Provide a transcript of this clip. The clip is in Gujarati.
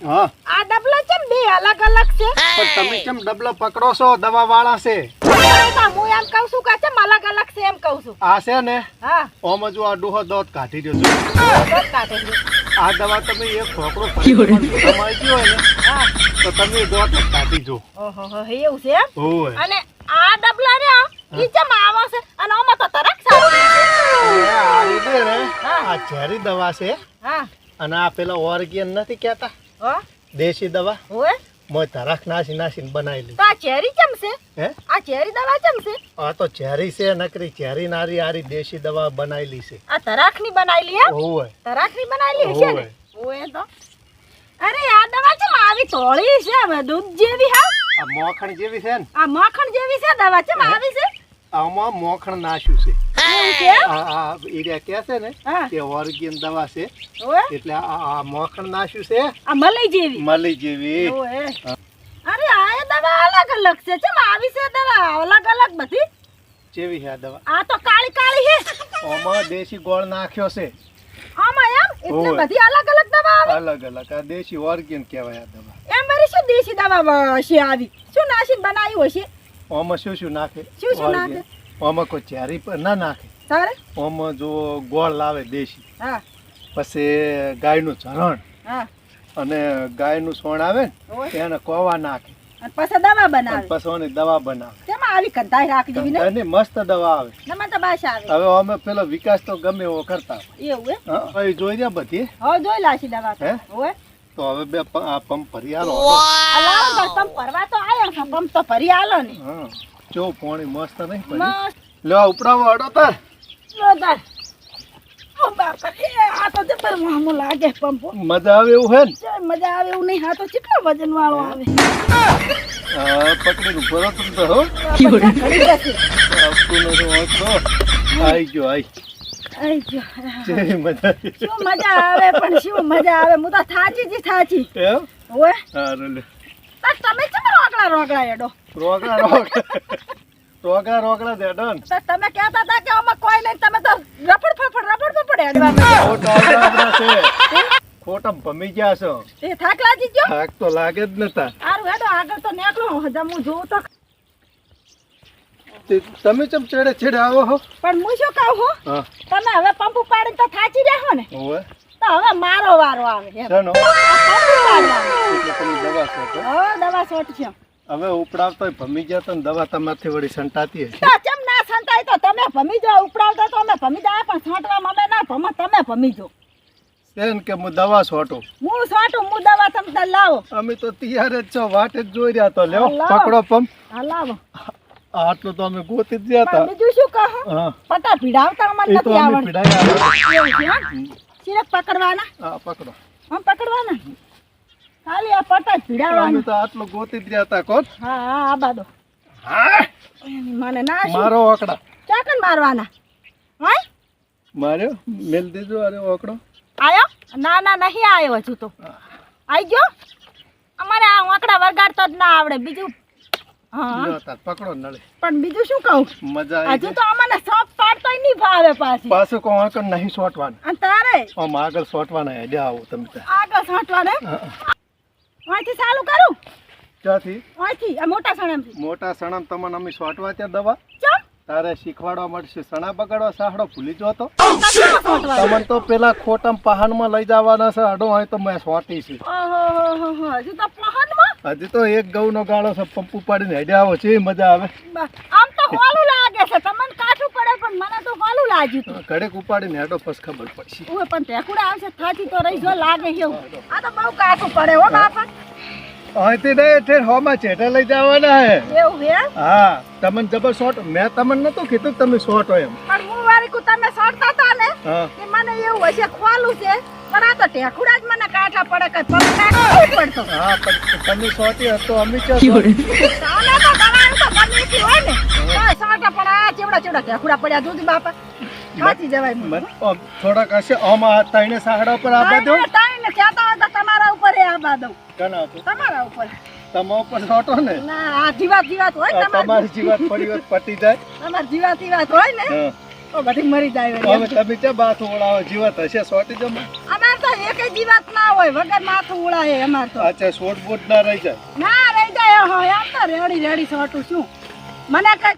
હા આ ડબલા ચમ બે અલગ અલગ છે? પણ તમે કેમ ડબલો પકડો છો? દવા વાળા છે હું એમ કહું છું કે ચમ અલગ અલગ છે એમ કહું છું. આ છે ને હા ઓમ જો આ ડોહો દોત કાઢી રહ્યો છે. દોત કાઢે છે. આ દવા તમે એક ઠોકરો કમાઈ ગયો ને હા તો તમે દોત જ કાઢી જો. ઓહો હો એવું છે એમ? ઓય અને આ ડબલા રે ઈ ચમ આવો છે અને આમાં તો તરક સારું છે. આ રીતે ને હા. આ ઝેરી દવા છે હા અને આ પેલા ઓર્ગેન નથી કહેતા હો દેશી દવા ઓય મોય તરખ નાસીને બનાવેલી. તો આ ચેરી ચમ છે? હે આ ચેરી દવા ચમ છે? આ તો ઝેરી છે નકરી ઝેરી નારી આરી દેશી દવા બનાવેલી છે. આ તરાખની બનાવેલી એમ? ઓય તરાખની બનાવેલી છે ને? ઓય તો અરે આ દવા ચમ આવી તોળી છે હવે દૂધ જેવી હા? આ મોખણ જેવી છે ને આ માખણ જેવી છે દવા ચમ આવી છે? આમાં મોખણ નાશ્યું છે. એવું છે? આ એરિયા કે છે ને હા કે ઓર્ગેન દવા છે ઓય એટલે આ મોખણ નાશ્યું છે આ મલાઈ જેવી મલી જેવી. ઓય અરે આ એ દવા અલગ અલગ છે ચમ આવી છે દવા અલગ અલગ બધી? જેવી છે આ દવા. આ તો કાળી કાળી છે આમાં દેશી ગોળ નાખ્યો છે. આમાં એમ એટલે ઓય. બધી અલગ અલગ દવા આવે અલગ અલગ આ દેશી ઓર્ગેન કહેવાય આ દવા. એમ વળી શું દેશી દવા છે આવી શું નાસીને બનાવ્યું હશે? આમાં શું નાખે? શું શું Organ. નાખે? આમાં કોઈ ઝેરી પર ના નાખે. તારે આમાં જો ગોળ લાવે દેશી, હા પછી ગાયનું ઝરણ હા અને ગાયનું સોણ આવે ઓય. ને એને કોવા નાખે અને પછી દવા અને બનાવે પછી ઓની દવા બનાવે તેમાં આવી કંટાઈ રાખી દેવી ને અને મસ્ત દવા આવે. નમન તો બાશ આવે હવે અમે પેલો વિકાસ તો ગમે એવો કરતા એવું હે હા, હવે જોઈ રહ્યા બધી હવે જોઈ લાશી દવા તો હે? ઓય તો હવે બે આ પંપ ભરી આલો. અલાવ તો તમ પરવા તો આયો છે પંપ તો ભરી આલો ને હા જો પાણી મસ્ત નહીં ભરી. મસ્ત લો ઉપડાવો અડો તાર. જોરદાર ઓ બાપા એ આ તો જબર મામો લાગે પંપો મજા આવે એવું હે ને? ચાલ મજા આવે એવું નહીં આ તો કેટલો વજન વાળો આવે હા પકડીને ઉભો રહો તમે તો હો. ઘડી જશે આપતું નથી વાંચતો. આઈ ગયો આઈ. આઈ ગયો જેવી મજા આવી. શું મજા આવે પણ શું મજા આવે હું તો થાચી જી થાચી એમ ઓય સારું લે. તાર તમે કેમ રોકડા રોકડા એડો રોગડા દેડો ને. તો તમે કહેતા હતા કે આમાં કોઈ નહીં તમે તો રફડ ફફડ હેડવા માંડ્યા. ખોટા ભમી ગયા છો. એ થાક લાગી ગયો થાક તો લાગે જ નતા. સારું હેડો આગળ તો નીકળો હજમ હું જોઉં તો તમે ચમ છેડે આવો હો. પણ હું શું કહું હું હા તમે હવે પંપ ઉપાડીને તો થાચી રહ્યા ને હોવે તો હવે મારો વારો આવે એમ. ચાલો આ પંપ ઉપાડવાનો. એટલે તમે દવા છોટો. હો દવા સોટ છે હવે ઉપડાવતો ભમી ગયા તો ને દવા તમારથી વળી સંટાતી હશે. તો ચમ ના સંતાય તો તમે ભમી જાઓ ઉપડાવતા તો અમે ભમી જાય પણ છાંટવામાં અમે ના ભમો તમે ભમી જાઓ એમ કે હું દવા છોટું. હું છાંટું હું દવા તમે લાવો અમે તો તૈયાર જ છો વાટ જ જોઈ રહ્યા તો લ્યો લાવો. પકડો પંપ. હા લાવો આટલું તો અમે ગોતી જ રહ્યા પણ હતા. બીજું શું કહો હા પટા ભીડાવતા અમને એ તો નથી અમે આવડતું પીડાયા એવું છે એમ? સિરપ પકડવાના હા પકડો. આમ પકડવાના ખાલી આ પટા જ અમે ભીડાવવાનું તો આટલું ગોતી જ રહ્યા હતા કોણ. હા હા આ બાદો હા મને ના શું મારો ઓકડા ચાકન મારવાના હોય માર્યો મેલ દીધો. અરે ઓકડો આયો ના ના નહીં આવ્યો હજુ તો આઈ ગયો અમારે આ આંકડા વરગાડતો જ ના આવડે બીજું હા લ્યો તાર પકડો નળે. પણ બીજું શું કહું મજા આવી હજુ ગઈ. તો અમને સોપ પાડતોય નહીં ભાવે પાછી પાછું કહો આગળ નહીં સોટવાનું. અને તારે આમ આગળ સોટવાના હેડ્યા આવો તમે ત્યાં. આગળ છાંટવા ને હા. અહીંથી ચાલુ કરું ત્યાંથી અહીંથી આ મોટા સણમથી મોટા સણમ તમને અમે સોટવા ત્યાં દવા ચમ તારે શીખવાડવા મળશે. સણા બગાડવા સાહડો ભૂલી જો તો છાંટવા તમને તો પેલા ખોટમ પહાણમાં લઈ જવાના છે. અડો હોય તો મેં સોટી છે. ઓહો હજુ તો પહનમાં હજી તો એક ઘઉંનો ગાળો છે. પંપ ઉપાડીને હેડ્યા આવો છે મજા આવે. આમ તો હોલું લાગે છે તમને કાઠું પડે પણ મને તો હોલું લાગ્યું હતું ઘડેક ઉપાડીને હેડો પછી ખબર પડશે. ઓય પણ ટેકુડા આવશે થાચી તો રહી જો લાગે એવું આ તો બહુ કાઠું પડે હો બાપા અહીંથી નહીં એટલે હોમાં ચેઠે લઈ જવાના હે. એવું હે હા તમને જબર શોર્ટ મેં તમને નતું કીધું તમે શોર્ટ હોય એમ. પણ હું વારી કુ તમે સોડતા હતા ને હા કે મને એવું હશે ખોલું છે પણ આ તો ટેકુડા જ મને કાઠા પડે કઈ પગ કાઢવો પડતો હા પણ તમે શોર્ટી હતો અમે ચો તાને તો દવાનું તો ગમે એટલી હોય ને તો સોટા પણ આ ચેવડા ટેકુડા પડ્યા દૂધ બાપા થાચી જવાય મને થોડાક હશે આમાં તઈને સાહડા પર આબા દો. તાઈને કહેતા હોય તો તમારા ઉપર એ આબા દઉં કના હતો તમારા ઉપર તમા ઉપર શોર્ટો ને. ના આ જીવાત હોય આ તમારી જીવાત પડી હોત પટી જાય. તમારી જીવાત હોય ને હા તો બધી મરી જાય હવે તમે ચા બાથ ઓળાવો જીવાત હશે શોર્ટી જમા. અમાર તો એકે જીવાત ના હોય વગર માથું ઉડાય અમાર તો અચ્છા શોર્ટ બોટ ના રહી જાય ના રહી જાય હોય આમ તો રેડી સોટું શું મને કઈ